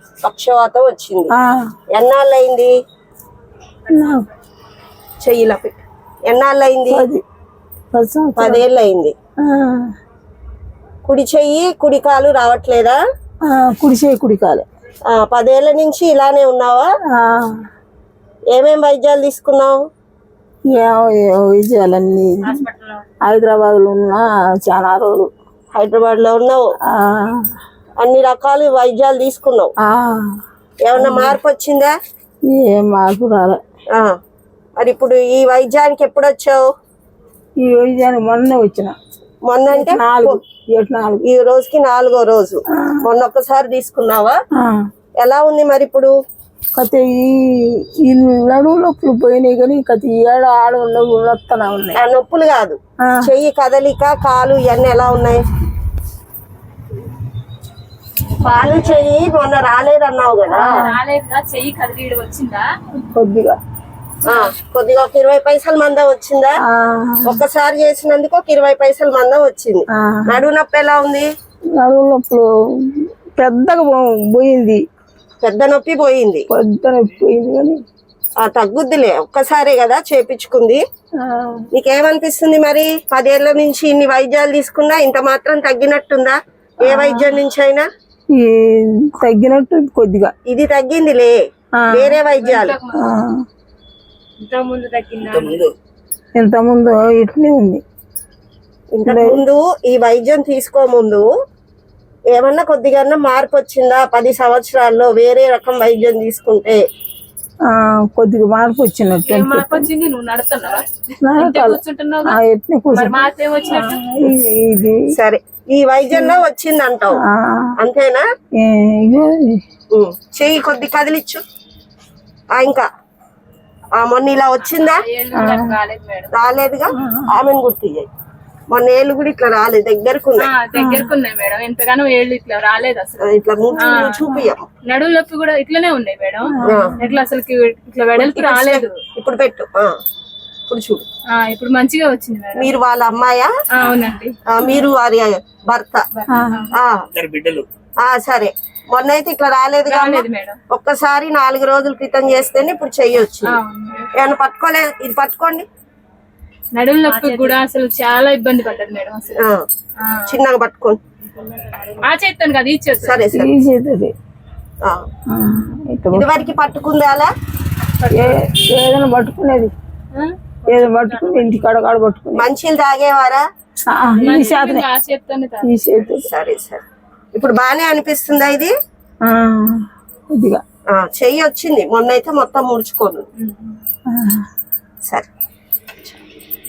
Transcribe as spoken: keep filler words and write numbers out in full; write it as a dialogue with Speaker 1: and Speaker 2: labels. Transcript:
Speaker 1: పక్షవాతం వచ్చింది. ఎన్నాళ్ళు అయింది? చెయ్యిలా పెట్టి ఎన్నాళ్ళు అయింది? పదేళ్ళు అయింది. కుడి చెయ్యి కుడి కాలు రావట్లేదా?
Speaker 2: కుడి చెయ్యి కుడి కాలు.
Speaker 1: పదేళ్ల నుంచి ఇలానే ఉన్నావా? ఏమేం వైద్యాలు తీసుకున్నావు?
Speaker 2: వైద్యాలన్నీ హైదరాబాద్ లో ఉన్నా చాలా రోజులు.
Speaker 1: హైదరాబాద్ లో ఉన్నావు, అన్ని రకాల వైద్యాలు తీసుకున్నావు. ఏమన్నా మార్పు వచ్చిందా?
Speaker 2: ఏం మార్పు రాలే.
Speaker 1: మరి ఇప్పుడు ఈ వైద్యానికి ఎప్పుడు వచ్చావు?
Speaker 2: ఈ వైద్యానికి మొన్న వచ్చిన.
Speaker 1: మొన్న అంటే ఈ రోజుకి నాలుగో రోజు. మొన్న ఒక్కసారి తీసుకున్నావా? ఎలా ఉంది మరి ఇప్పుడు?
Speaker 2: కథ ఈ నడువు నొప్పులు పోయినాయి కానీ కథ ఏడ ఆడ నొప్పులు ఉన్నాయి.
Speaker 1: ఆ నొప్పులు కాదు, చెయ్యి కదలిక, కాలు ఇవన్నీ ఎలా ఉన్నాయి? కాలు చెయ్యి మొన్న రాలేదన్నావు కదా,
Speaker 3: చెయ్యి కదిలి వచ్చిందా?
Speaker 2: కొద్దిగా
Speaker 1: కొద్దిగా ఒక ఇరవై పైసల మందం వచ్చిందా? ఒక్కసారి చేసినందుకు ఒక ఇరవై పైసల మందం వచ్చింది. నడువు నొప్పి ఎలా ఉంది?
Speaker 2: నడువు నొప్పులు పెద్దగా పోయింది.
Speaker 1: పెద్ద నొప్పి పోయింది.
Speaker 2: పెద్ద నొప్పి పోయింది కానీ
Speaker 1: తగ్గుద్దిలే, ఒక్కసారే కదా చేపించుకుంది. నీకేమనిపిస్తుంది మరి? పదేళ్ల నుంచి ఇన్ని వైద్యాలు తీసుకున్నా ఇంత మాత్రం తగ్గినట్టుందా? ఏ వైద్యం నుంచి అయినా
Speaker 2: తగ్గినట్టు కొద్దిగా.
Speaker 1: ఇది తగ్గిందిలే, వేరే వైద్యాలు
Speaker 2: ఇంత ముందు ఇట్లే ఉంది.
Speaker 1: ఇంతకు ముందు ఈ వైద్యం తీసుకోముందు ఏమన్నా కొద్దిగా మార్పు వచ్చిందా? పది సంవత్సరాల్లో వేరే రకం వైద్యం తీసుకుంటే
Speaker 2: కొద్దిగా మార్పు వచ్చినట్టు.
Speaker 1: సరే, ఈ వైద్యంలో వచ్చింది అంటావు అంతేనా? చెయ్యి కొద్ది కదిలిచ్చు. ఇంకా మొన్న ఇలా వచ్చిందా? రాలేదుగా. ఆమెను గుర్తు చేయి. మొన్న ఏళ్ళు కూడా ఇట్లా రాలేదు, దగ్గరకు
Speaker 3: దగ్గరకున్నాయి మేడం. ఎంతగానో ఏళ్ళు ఇట్లా రాలేదు అసలు.
Speaker 1: ఇట్లా చూపియ్యం.
Speaker 3: నడుము నొప్పి కూడా ఇట్లానే ఉన్నాయి మేడం. ఇట్లా అసలు ఇట్లా వెడల్పు రాలేదు.
Speaker 1: ఇప్పుడు పెట్టు, ఇప్పుడు చూడు.
Speaker 3: ఇప్పుడు మంచిగా వచ్చింది మేడం.
Speaker 1: మీరు వాళ్ళ అమ్మాయా?
Speaker 3: అవునండి.
Speaker 1: మీరు వారి భర్త? సరే, మొన్న అయితే ఇట్లా రాలేదు
Speaker 3: మేడం.
Speaker 1: ఒక్కసారి నాలుగు రోజుల క్రితం చేస్తేనే ఇప్పుడు చెయ్యొచ్చు. ఏమన్నా పట్టుకోలే? ఇది పట్టుకోండి.
Speaker 3: నడుము నొప్పి కూడా అసలు చాలా ఇబ్బంది పడ్డది మేడం. అసలు
Speaker 1: చిన్నగా పట్టుకోండి.
Speaker 3: ఆ చేస్తాను కదా, ఈ చేస్తాను.
Speaker 1: సరే సరే. ఇదివరకు పట్టుకుంది అలా
Speaker 2: ఏదైనా పట్టుకునేది, ఏదో పట్టుకుని ఇంటి కాడ కాడ పట్టుకుని.
Speaker 1: మంచిలు తాగేవారా? సరే సరే. ఇప్పుడు బానే అనిపిస్తుందా ఇది?
Speaker 2: కొద్దిగా
Speaker 1: చెయ్యి వచ్చింది, మొన్న అయితే మొత్తం ముడుచుకోను. సరే.